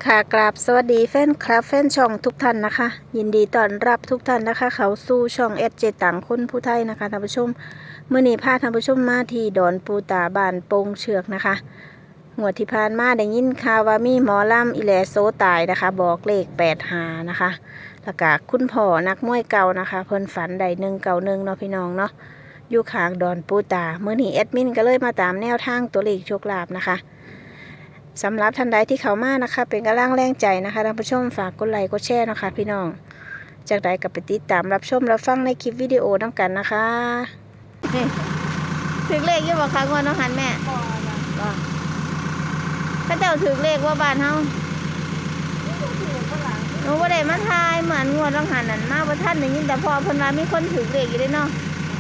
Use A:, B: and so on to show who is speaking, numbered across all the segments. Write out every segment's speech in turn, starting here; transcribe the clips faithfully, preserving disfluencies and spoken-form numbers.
A: ค่ะกราบสวัสดีแฟนคลับแฟนช่องทุกท่านนะคะ ยินดีต้อนรับทุกท่านนะคะ เขาสู่ช่องเอสเจต่างคนผู้ไทยนะคะท่านผู้ชมเมื่อนี้พาท่านผู้ชมมาที่ดอนปูตาบ้านโป่งเชือกนะคะหัวดที่ผ่านมาได้ยินข่าวว่ามีหมอลำอิแลโซตายนะคะ บอกเลขแปดหานะคะแล้วก็คุณพ่อนักมวยเก่านะคะเพิ่นฝันได้หนึ่งเก่าหนึ่งเนาะพี่น้องเนาะอยู่ข้างดอนปูตาเมื่อนี้แอดมินก็เลยมาตามแนวทางตัวเลขโชคลาภนะคะสำหรับท่านใดที่เข้ามานะคะเป็นกำลังแรงใจนะคะท่านผู้ชมฝากกดไลค์กดแชร์นะคะพี่น้องจากใดกับไปติดตามรับชมรับฟังในคลิปวิดีโอน้ำกันนะคะนี่ถือเลขยี่บอกค่ะงวดน้องหันแม่ก็ถ้าเจ้าถือเลขว่าบ้านเฮาหนูว่าได้มาทายเหมือนงวดน้องหันนั่นมาว่าท่านอย่างนี้แต่พอเพิ่นว่ามีคนถือเลขอยู่ด้วยเนาะ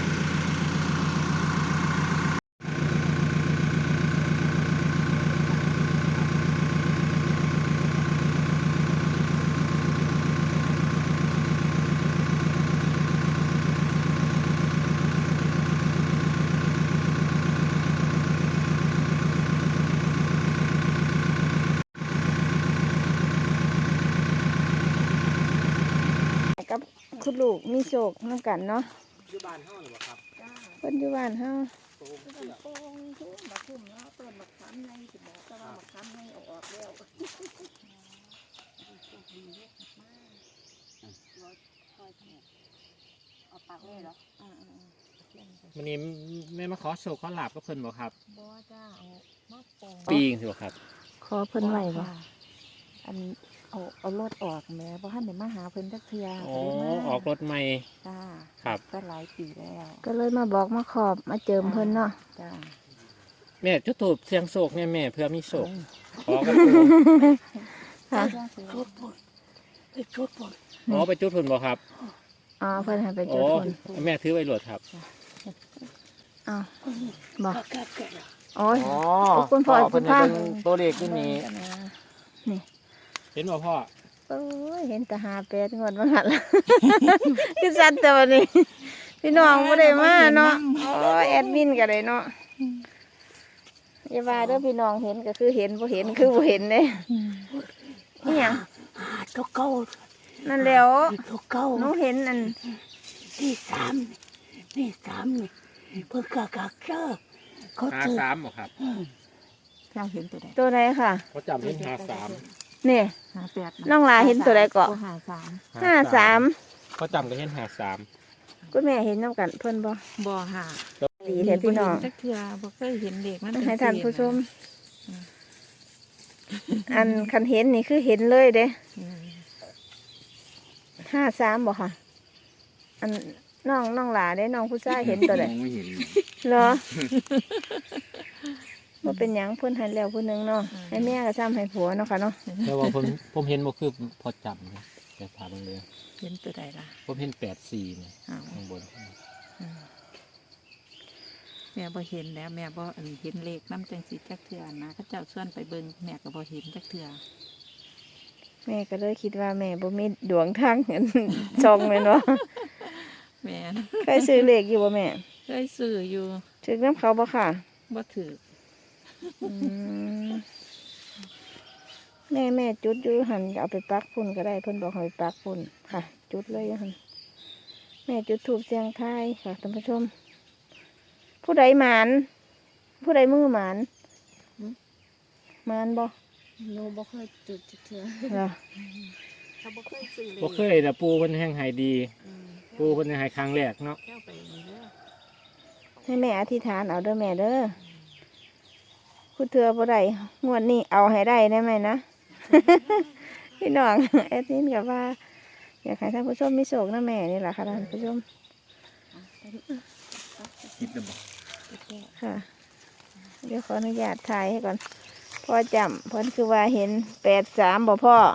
A: กับคุณลูกมีโชคน้ำกันเนาะอยู่บ้านเฮาหรือเปล่าครับเพิ่นอยู่บ้านเฮาโป่งโป่งทุ่มบักทุ่มเนาะต้นบักขามในสิบอกแต่ว่าบักขามในออกออกแล้วเอาปากเลยเหรออ่า
B: วันนี้แม่มาขอโชคขอลาบก็เพิ่นบอกครับ
C: บ่จ้าเอามาปอง
B: ปีงสิบอกครับ
A: ขอเพิ่นไหวบ่
C: อันเอาเอารถออกแม่บ่ทันได้มาหาเพิ่นจักเทื่อ
B: อ๋อออกรถใหม่
C: จ้า
B: ครับ
C: ก็หลายปีแล้ว
A: ก็เลยมาบอกมาขอบมาเจิมเพิ่นเนาะ
C: จ้า
B: แม่จุดถูกเสียงโศกแม่แม่เพื่อมีโศกขอกัน
A: ค่ะ
C: จุดพุ่นไปจุดพุ่น
B: อ๋อไปจุดพุ่นบ่ครับ
A: อ๋อเพิ่นให้ไปจุดพุ่น
B: แม่ถือไว้หลวดครับ
A: อ้าวบอก
B: โอ้
A: ยคุณพ่อคุณพ่อ
B: ตัวเลขที่นี้
A: นี่
B: เห็นบ่พ่อ
A: โอ้ยเห็นแต่หาแปดงวดมาหันละคือสัตว์แต่วันนี้พี่น้องไม่ได้มาเนาะโอ้แอดมินก็ได้เนาะอย่าว่าเด้อพี่น้องเห็นก็คือเห็นบ่เห็นคือบ่เห็นเลยนี่ยัง
C: ตัวเก่า
A: นั่นแล้ว
C: ตัวเก่า
A: หนูเห็นอัน
C: ที่สามนี่สามนี่เพิ่งกะกะเจอ
B: เขาหาสามบ่ครับ
C: เจ้าเห็นตัวใด
A: ตัวไหนค่ะ
B: เขาจำเห็นหาสาม
A: นี่
C: หาแปด
A: น้องลาเห็นตัวใดเกาะ
C: หาสาม
A: ห้าสาม
B: เขาจำก็เห็นหาสาม
A: คุณแม่เห็นน้ำกันเพิ่นบ่
C: บ่หา
A: ดีแท้พี่น้อง
C: จักเทื่อบ่เคยเห็นเด็กมัน
A: ให้ท่านผู้ชมอันคันเห็นนี่คือเห็นเลยเด้ห้าสามบ่ค่ะอันน้องน้องหลาได้น้องผู้ชายเห็นตัวใดไม่เห็นเหรอว่าเป็นหยังเพิ่นให้แล้วผู้นึงเนาะให้แม่ก็ซ้ำให้ผัวเนาะค่ะเนาะ
B: แต่ว่าผมผมเห็นบ่คือพอจำแต่ถามเลย
C: เห็นตัวใดล่ะ
B: ผมเห็นแปดสี่เนี่ยข้างบน
C: แม่บ่เห็นแล้วแม่บ่เห็นเลขน้ำจังสีจักเทื่อนะเขาเจ้าส่วนไปเบิ่งแม่ก็บ่เห็นจักเทื่อ
A: แม่ก็เลยคิดว่าแม่บ่มีดวงทางเงินซองเลยเนาะ
C: แม่
A: เคยซื้อเลขอยู่บ่แม่
C: เคยซื้ออยู่
A: ถือน้ำเขาบ่ค่ะ
C: บ่ถือ
A: แม่แม่จุดอยู่หันเอาไปปักพุ่นก็ได้เพิ่นบอกให้ปักพุ่นค่ะจุดเลยหันแม่จุดถูกเสียงทายค่ะท่านผู้ชมผู้ใดหมานผู้ใดมือหมานหมานบ่
C: หนูบ่เคยจุดเทื่อ
A: เหรอ
C: เขาบ่เคยซื้อเลย
B: บ่เคยแต่ปูเพิ่นแห้งหายดีปูเพิ่นหายครั้งแรกเนาะ
A: ให้แม่อธิษฐานเอาเด้อแม่เด้อผู้เถื่อบ่ได้งวดนี้เอาให้ได้ได้ไหมนะพี่น้องแอดมินกับว่าอยากให้ท่านผู้ชมมีโชคนะแม่นี่แหละค่ะท่านผู้ชมค่ะเดี๋ยวขออนุญาตถ่ายให้ก่อนพ่อจำเพิ่นคือว่าเห็นแปดสามบ่พ่อ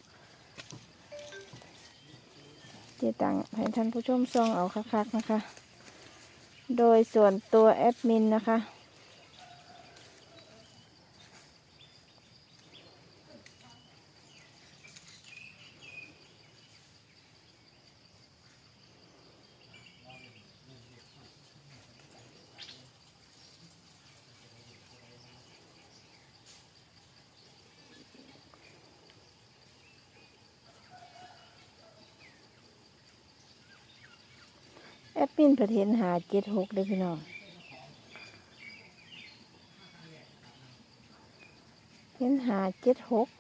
A: เจตังให้ท่านผู้ชมซองเอาคักๆนะคะโดยส่วนตัวแอดมินนะคะแอดมินเพิ่นเห็นหาเจ็ดหกเลยพี่น้องเห็นหาเจ็ดหก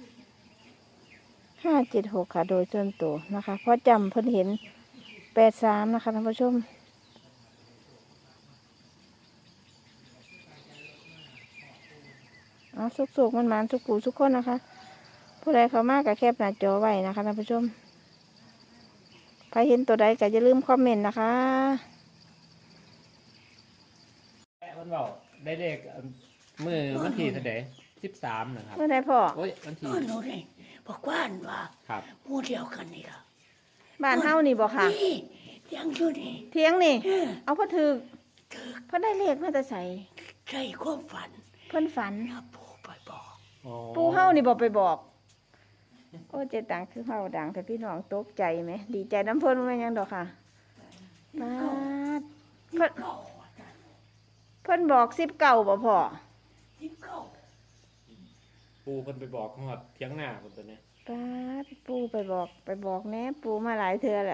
A: ห้าเจ็ดหกค่ะโดยส่วนตัวนะคะเพราะจำเพิ่นเห็นแปดสามนะคะท่านผู้ชมเอาสุกๆมันมันๆสุกูทุกคนนะคะผู้ใดเข้ามากับแคปหน้าจอไว้นะคะท่านผู้ชมใครเห็นตัวใดก็อย่าลืมคอมเมนต์นะคะ
B: มันบอกได้เลขมือวันที่เท่าไหร่สิบสามนะครับ
A: เมื่อใดพ่อ
B: โอ้ยวันที่
D: นอนรู้ได้บอกว่านว่า
B: ครับ
D: หมู่เดียวกันนี่ล่ะ
A: บ้านเฮานี่บ่ค่ะ
D: นี่ยังอยู่นี่
A: เทียงนี่
D: เออ
A: เอาพ่อถือ
D: ถือ
A: เพิ่นได้เลขมาแต่ใส่
D: ใจความฝัน
A: เพิ่นฝัน
D: นะปู่ไปบอก
B: อ๋อ
A: ปูเฮานี่บ่ไปบอก โอ้เจตังคือเฮาดังแต่พี่น้องตกใจไหมดีใจน้ำเพิ่นว่าหยังดอกค่ะปาดเพิ่น
D: เก้าอาจารย์
A: เพิ่นบอกสิบเก้าบ่พ่อ
D: สิบเก้า
B: ปูคนไปบอกหอดเทียงหน้าคนตัวเนี้ย
A: ปาดปูไปบอกไปบอกแน่ปูมาหลายเทื่อแล้ว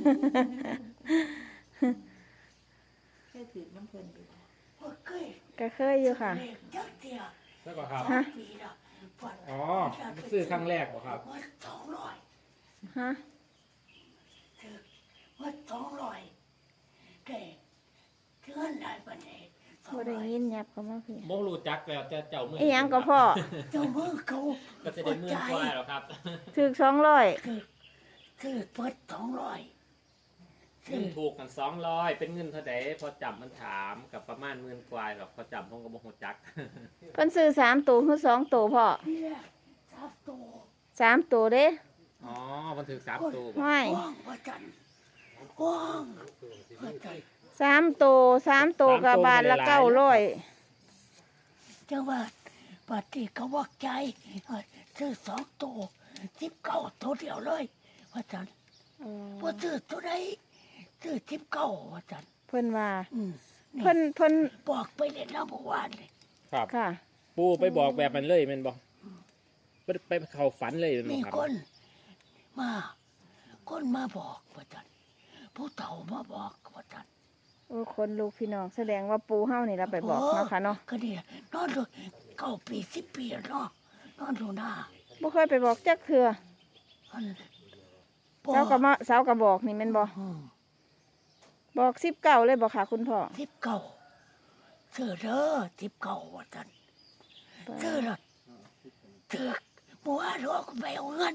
C: แค่ถือน้ำเพิ่นอยู่
D: บ่เคย
A: ก็เคยอยู่ค่ะ
D: เลขจักเดียว
B: แล้วก็ครับ
A: ฮะ
D: ปีละฝัน
B: อ๋อซื้อครั้งแรกเหรอครับ
D: ว่าสองร้อย
A: ฮะ
D: ถือว่าสองร้อยได้เทือนได้บัดนี้สอง
A: บ่ได้
D: ร้อย
A: ยินยับเข้ามาพี่
B: โมรู้จักแล้วแต่เจ้ามือ
A: อีหยังก็พ่อ
D: เจ้ามือเขา
B: ก็จะได้เมื่อนกว่าหรอครับ
A: ถึกสองร้อย
D: ถือถือเปิดสองร้อย
B: เงินถูกกันสองร้อยเป็นเงินเท่าไหร่พอจับมันถามกับประมาณหมื่นกว่าหรอกพอจับผมก็บอกหัวจัก
A: เพิ่นซื้อสามตัวคือสองตัวพ่อ
D: นี่แหละสามตัว
A: สามตัวเด้
B: อ๋อมันถือสามตัวบ่
A: ห้อย
D: ว่างพระจันทร์ว่างพระจันทร์
A: สามตัวสามตัวกับบาทละเก้าร้อย
D: จังหวัดปฏิกวักใจเอ่อซื้อสองตัวสิบเก้าตัวเดียวเลยพระจันทร์ว่าซื้อตัวใดซื้อสิบเก้าพระจันทร์
A: เพิ่นว่า
D: อืมนี่
A: เพิ่นเพิ่น
D: บอกไปเล่นน้ำเมื่อวานเลย
B: ครับ
A: ค่ะ
B: ปูไปบอกแบบมันเลยแมันบอกไปไปเข้าฝันเลยแมัน
D: มี
B: บ่ครับ
D: คนมาคนมาบอกพระจันทร์ผู้เฒ่ามาบอกพระจันทร์
A: โอ้คนลูกพี่น้องแสดงว่าปูเฮานี่เราไปบอกเนาะค่ะเนาะ
D: ก็เนี่ยนอนดูเก้าปีสิบปีแล้วเนาะนอนดูหน้า
A: บ่เคยไปบอกจักเทื่อ
D: อัน
A: เสาก็มาเสาก็บอกนี่แม่นบ่
D: อืม
A: บอกสิบเก้าเลยบ่ค่ะคุณพ่อ
D: สิบเก้าเสือเด้อสิบเก้าว่าจันเสือละเถือกบัวรอกไปเอาเงิน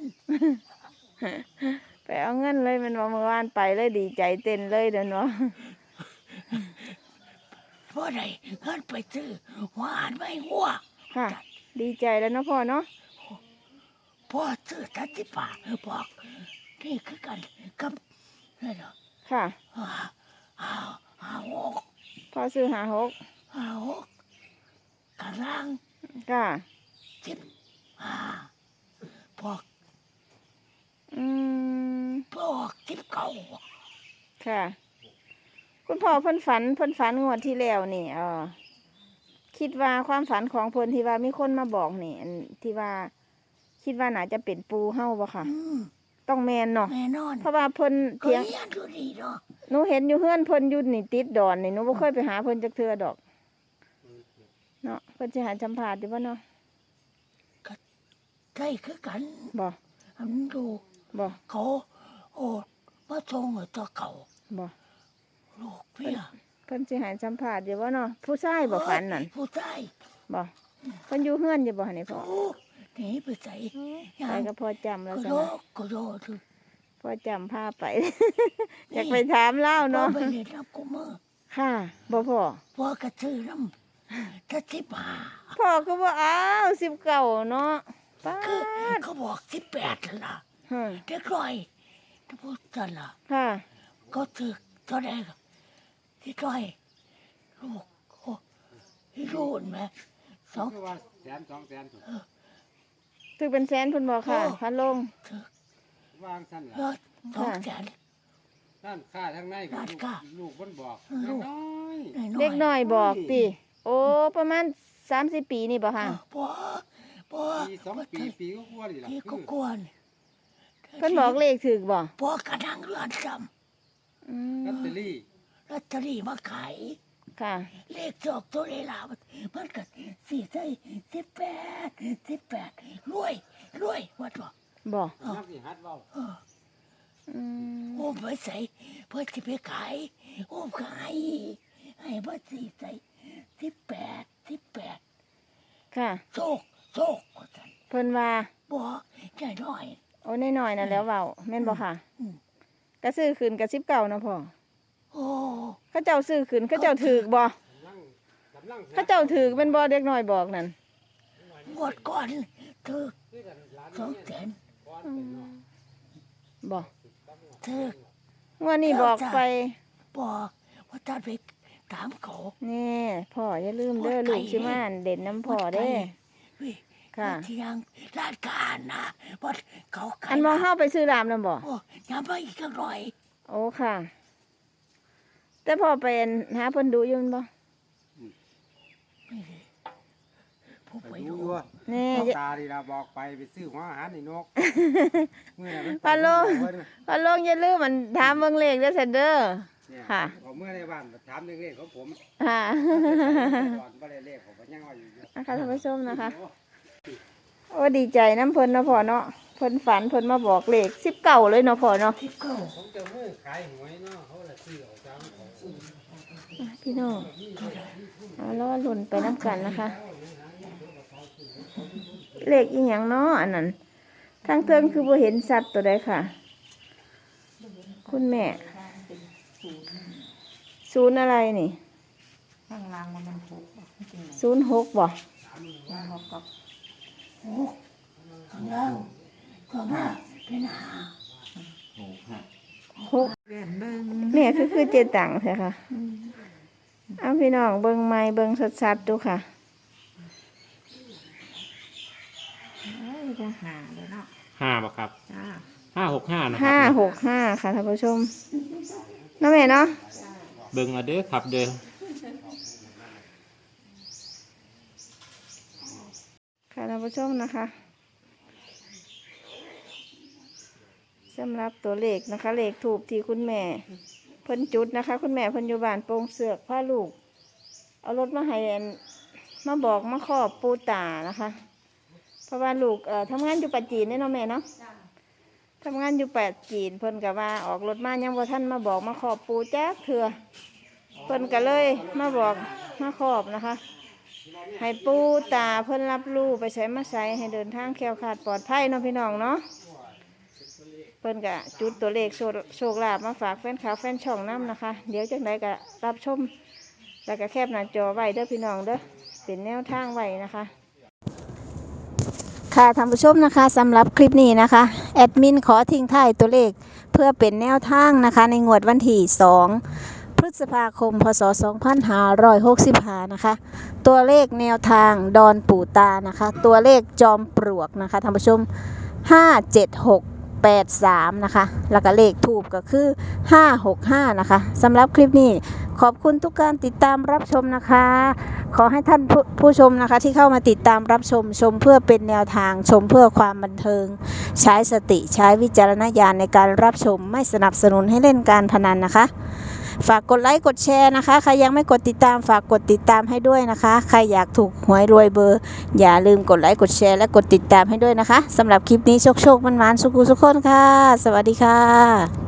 A: ไปเอาเงินเลยแม่นบ่เมื่อวานไปเลยดีใจเต้นเลยเด้อเนาะ
D: เพราะใดเงินไปซื้อหวานไม่หัว
A: ค่ะ ดีใจแล้วเนาะพ่อเนาะ
D: พ่อซื้อทันติป่าบอกนี่คือกันกับนี่เนาะ
A: ค่ะ
D: อ่าอ่าอ่าหก
A: พ่อซื้อหาหก
D: อ่าหกกำลัง
A: ค่ะ
D: สิบอ่าบอก
A: อืม
D: บอกสิบเก้า
A: ค่ะ คุณพ่อเพิ่นฝันเพิ่นฝันงวดที่แล้วนี่เออคิดว่าความฝันของเพิ่นที่ว่ามีคนมาบอกนี่อันที่ว่า คิดว่าน่าจะเป็นปูเฮาบ่ค่ะ
D: อืม
A: ต้องแมนเนาะ
D: แน่นอน
A: เพราะว่าเพิ่น
D: ก็
A: เถียง
D: เรียนดูดีเนาะ
A: หนูเห็นอยู่เฮือนเพิ่นอยู่นี่ติดดอนนี่หนูบ่เคยไปหาเพิ่นจักเทื่อดอกเนาะเพิ่นสิหาสัมภาษณ์อยู่บ่เนาะ
D: ใกล้คือกัน
A: บ่
D: อันดู
A: บ่
D: เขาโอ้มาทรงไอ้ตัวเก่า
A: บ่
D: ลูกเพี่ย
A: เพิ่นสิหาสัมภาษณ์อยู่บ่เนาะผู้ชายบ่ฝันนั่น
D: ผู้ชาย
A: บ่เพิ่นอยู่เฮือนอยู่บ่หั่นนี่พ่อ
D: โอ้หนีไปใส่
A: ไปก็พอจำแล้ว
D: ก็
A: ซะ
D: โด
A: นะ
D: ก็โดดู
A: พอจำพาไป อยากไปถามเล่า
D: เนาะ
A: เนาะ
D: ไปเล่นน้ำกูมือ
A: ค่ะบ่พ่อ
D: พ่อกระซื้อน้ำถ้าสิบห้า
A: พ่อก็บ่อ้าวสิบเก้าเนาะป้า
D: คือ
A: ด
D: เขาบอกสิบแปดล่ะ
A: ฮะ
D: เด็กร้อยถ้าพูดกันล่ะ
A: ค่ะ
D: ก็ถือเท่าไหร่ก็ที่ร้อยลูกโอ้ที่รูนไหมสอง
E: คือว่าแสนสองแสนถูก
A: ถึงเป็นแสนเพิ่นบอกค่ะ
D: โอ้
A: พันลง
D: ถือ
E: วางสั้น
D: ย
E: ล่ะ
D: อดสองแสน
E: ด้านข้าทั้งในกับ
D: ด้าน
E: ลูก
D: ข้า
E: ลูกบนบอก
D: ลูก
E: น้อย
D: น้อยๆ
A: เด็กน้อยบอกติโอ้ประมาณสามสิบปีนี่บ่ค่ะ
D: ปัวปัว
E: ปีสองปีปีก็กลัวนี่ล่ะ
D: พี่
E: คื
D: ก็
E: อก
D: วน
A: เพิ่นบอกเลขถึกบ่
D: ปัวกระดังเรือนจ
A: ออื
E: ลอต
A: ม
E: เตอรี่
D: ลอตเตอรี่มาขาย
A: ค่ะ
D: เลขจอกตัวเลลามันมันก็สี่ใส่สิบแปดสิบแปดรวยรวยวัดบอก
A: บ่
E: นักสิฮัดเว้า
A: อืม
D: โอ้ไปใส่เพื่อจะไปขายโอ้ขายให้มาสี่ใส่สิบแปดสิบแปด
A: ค่ะ
D: โชคโชคว่าซั่น
A: เพิ่นว่า
D: บอกแค่น้อย
A: โอ้น้อยๆน่ะแล้วเว้าแม่นบ่ค่ะ
D: อืม
A: ก็ซื้อคืนกับสิบเก้านะพ่อ
D: โอ้
A: เขาเจ้าซื้อคืนเขาเจ้าถือบ่
E: กำลังกำลัง
A: เขาเจ้าถือเป็นบ่เด็กน้อยบอกนั่น
D: งวดก่อนถึก
E: คือกันหลาน
D: สองแสน
E: ก่อนเป็นเนาะ
A: บ่
D: ถึก
A: งวดนี้บอกไป
D: บอกว่าท่านไปถามเขา
A: นี่พ่ออย่าลืมเด้อลูกสิมาเด่นน้ำพ่อเด้
D: เว้ย
A: ค่ะ
D: ที่ยังร้านการนะว่าเขาขาย
A: อันมองเข้าไปซื้อรามนำบ่
D: โอ้ยำไปอีกสักหน่อย
A: โอ้ค่ะ แต่พ่อไปหาเพิ่นดูอยู่แม่นบ่
D: ผู้
E: ไป
D: ไป
E: ดู
D: ดู
E: อยู่
A: นี่
E: เอาตาดีละบอกไปไปซื้อหัวอาหารในนกเมื่อนั้นมันไป
A: ฮัลโหล
E: เพิ่น
A: พ่อลงอย่าลืมมันถามเบิ่งเลขเด้อซันเด้อ
E: เนี่ย
A: ค่ะ
E: ผมเมื่อในบ้านถามเรื่องเลขของผม
A: ค่ะ
E: ก่อนบ่ได้เลขผมก็ยังว่าอยู่
A: นะคะท่านผู้ชมนะคะ โอ้ดีใจน้ำเพิ่นเนาะพ่อเนาะเพิ่นฝันเพิ่นมาบอกเลขสิบเก้าเลยเนาะพ่อเนาะ
D: ที่เก้า
E: ผมจะมือขายหวยเนาะเขาละซื้อเอาจังเขาซื้อ
A: พี่น้องเอาล้อลุ่นไปน้ำกันนะคะ เลขอีหยังเนาะอันนั้นทางเทิงคือบ่เห็นสัตว์ตัวใดค่ะ คุณแม่ศูนย์อะไรนี่
C: ข้างล่างมันมันหกบ่จริง
A: ศูนย์หกบ่
C: ๆมันหกกับ
D: ข้างล่างก็มาเป็นหา
A: หก
C: เรียนเบิ่ง
A: แม่คือคือเจตังใช่ค่ะเอาพี่น้องเบิ่งไม้เบิ่งชัดๆดูค่ะ
C: เอ้ยจะหาเลยเนาะ
B: ห้าป่ะครับ
C: จ้า
B: ห้าหกห้านะครั
A: ห้าหกห้าค่ะท่านผู้ชมเน้องแม่เนาะ
B: เบิ่งเอาเด้อครับเด้อ
A: ค่ะท่านผู้ชมนะคะสำหรับตัวเลขนะคะเลขถูกที่คุณแม่เพิ่นจุดนะคะ คุณแม่เพิ่นอยู่บ้านโป่งเสือกพาลูก เอารถมาให้อันมาบอกมาขอบปูตานะคะ เพราะว่าลูกเอ่อทำงานอยู่ปัจจีนเนี่ยเนาะแม่เนาะทำงานอยู่ปัจจีนเพิ่นก็ว่าออกรถมายังว่าท่านมาบอกมาขอบปูแจ๊กเถื่อเพิ่นก็เลยมาบอกมาขอบนะคะ ให้ปูตาเพิ่นรับรู้ไปใช้มาใช้ให้เดินทางแคล้วคลาดปลอดภัยเนาะพี่น้องเนาะเพิ่นก็จุดตัวเลขโชคโชคลาภมาฝากแฟนขาวแฟนช่องน้ำนะคะ เดี๋ยวจังไดก็รับชมแล้วก็แคบหน้าจอไว้เด้อพี่น้องเด้อเป็นแนวทางไว้นะคะ ค่ะท่านผู้ชมนะคะสำหรับคลิปนี้นะคะแอดมินขอทิ้งท้ายตัวเลขเพื่อเป็นแนวทางนะคะในงวดวันที่สองพฤษภาคมพศสองพันห้าร้อยหกสิบห้านะคะตัวเลขแนวทางดอนปู่ตานะคะตัวเลขจอมปลวกนะคะท่านผู้ชมห้าเจ็ดหกแปดสามนะคะแล้วก็เลขทูบก็คือห้าหกห้านะคะสำหรับคลิปนี้ขอบคุณทุกการติดตามรับชมนะคะ ขอให้ท่านผู้ผู้ชมนะคะที่เข้ามาติดตามรับชมชมเพื่อเป็นแนวทางชมเพื่อความบันเทิง ใช้สติใช้วิจารณญาณในการรับชมไม่สนับสนุนให้เล่นการพนันนะคะ ฝากกดไลค์กดแชร์นะคะใครยังไม่กดติดตามฝากกดติดตามให้ด้วยนะคะใครอยากถูกหวยรวยเบอร์อย่าลืมกดไลค์กดแชร์และกดติดตามให้ด้วยนะคะสำหรับคลิปนี้โชคโชคมันมันๆสุขุสุขคนค่ะสวัสดีค่ะ